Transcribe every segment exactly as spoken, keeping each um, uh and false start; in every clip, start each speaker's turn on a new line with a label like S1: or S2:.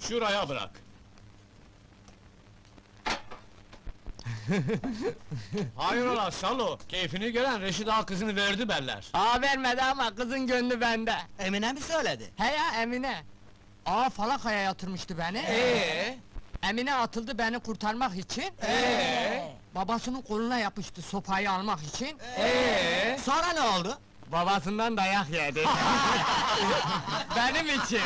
S1: Şuraya bırak. Hayrola Salo, keyfini gören Reşit Ağa kızını verdi berler.
S2: Ağa vermedi ama kızın gönlü bende.
S3: Emine mi söyledi?
S2: He ya Emine. Ağa falakaya yatırmıştı beni.
S1: Ee?
S2: Emine atıldı beni kurtarmak için.
S1: Ee?
S2: Babasının koluna yapıştı sopayı almak için.
S1: Ee?
S3: Sonra ne oldu?
S2: Babasından dayak yedi. Benim için.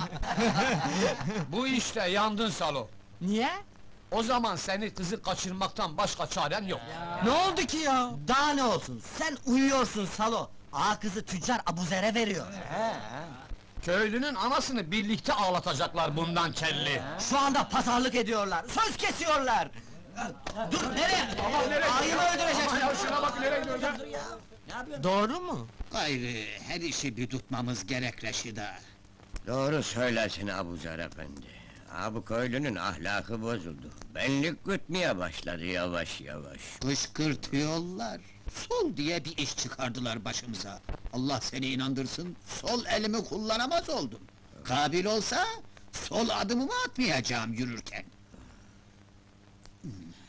S1: Bu işte yandın Salo.
S2: Niye?
S1: O zaman seni kızı kaçırmaktan başka çaren yok.
S3: Ne oldu ki ya? Daha ne olsun? Sen uyuyorsun Salo. Ağa kızı tüccar Abuzer'e veriyor.
S1: Köylünün anasını birlikte ağlatacaklar bundan kelli.
S3: Şu anda pazarlık ediyorlar, söz kesiyorlar! Dur, nereye? Ağayı mı öldüreceksin?
S1: Ya şuna bak nereye gidiyor ya?
S2: Doğru mu?
S4: Gayrı her işi bir tutmamız gerek Reşid'a.
S5: Doğru söylersin Abuzer efendi. Ha bu köylünün ahlakı bozuldu. Benlik gütmeye başladı yavaş yavaş.
S4: Kışkırtıyorlar. Sol diye bir iş çıkardılar başımıza. Allah seni inandırsın, sol elimi kullanamaz oldum. Kabil olsa, sol adımımı atmayacağım yürürken. Hmm.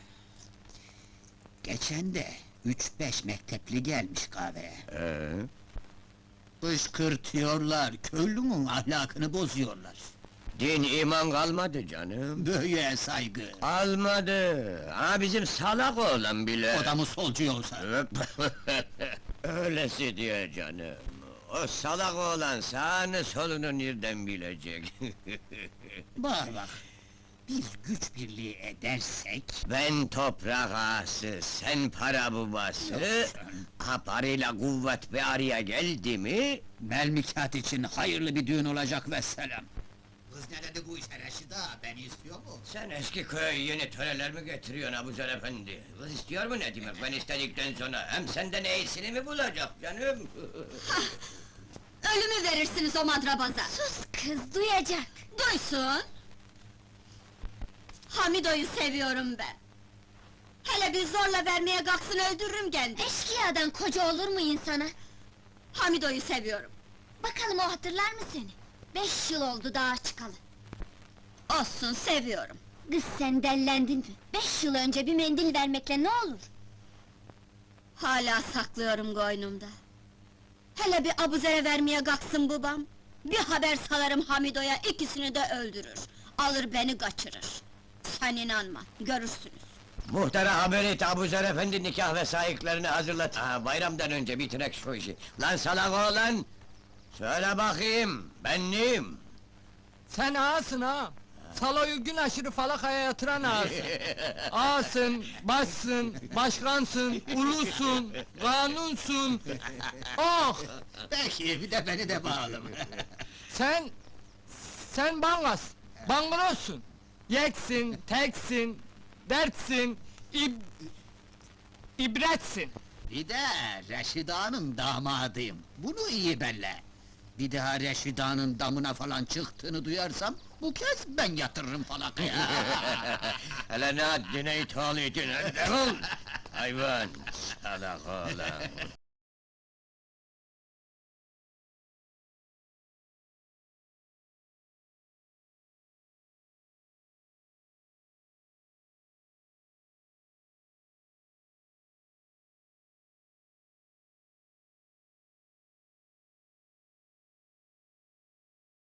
S4: Geçen de üç beş mektepli gelmiş kahveye.
S5: Ee,
S4: Kışkırtıyorlar, köylünün ahlakını bozuyorlar.
S5: din iman kalmadı canım.
S4: Böyle saygı.
S5: Almadı. Ha bizim salak oğlan bile.
S4: O da mı solcu olsa?
S5: Öylesi diyor canım. O salak oğlan sağını solunu nereden bilecek?
S4: Bak bak, biz güç birliği edersek...
S5: Ben toprak ağası, sen para babası. Ha parayla kuvvet bir araya geldi mi?
S4: Melmikat için hayırlı bir düğün olacak vesselam. Kız ne dedi bu işe Reşid'a, beni istiyor mu?
S5: Sen eski köye yeni töreler mi getiriyorsun Abuzer efendi? Kız istiyor mu ne demek, ben istedikten sonra hem senden iyisini mi bulacak canım?
S6: Ölümü verirsiniz o madrabaza! Sus kız, duyacak! Duysun! Hamido'yu seviyorum ben! Hele bir zorla vermeye kalksın öldürürüm kendi! Eşkıyadan koca olur mu insana? Hamido'yu seviyorum! Bakalım o hatırlar mı seni? Beş yıl oldu dağa çıkalı! Olsun, seviyorum! Kız sen dellendin mi? Beş yıl önce bir mendil vermekle ne olur? Hala saklıyorum koynumda! Hele bir Abuzer'e vermeye kalksın babam! Bir haber salarım Hamido'ya, ikisini de öldürür! Alır beni kaçırır! Sen inanma, görürsünüz!
S5: Muhtara haber et, Abuzer efendi nikah vesayıklarını hazırlat. Ha, bayramdan önce bitirek şu işi. Lan salak oğlan! Söyle bakayım, ben neyim?
S2: Sen ağasın ha! Saloyu gün aşırı falakaya yatıran ağasın! Ağasın, başsın, başkansın, ulusun, kanunsun! Oh!
S4: Peki, bir de beni de bağlama.
S2: Sen... Sen bangas, bangrossun! Yeksin, teksin, dertsin, ib... ibretsin!
S4: Bir de Reşida'nın damadıyım, bunu iyi belle. Bir daha Reşida'nın damına falan çıktığını duyarsam, bu kez ben yatırırım falakaya.
S5: Hele ne haddine ithal edin, defol! Hayvan, salak oğlan!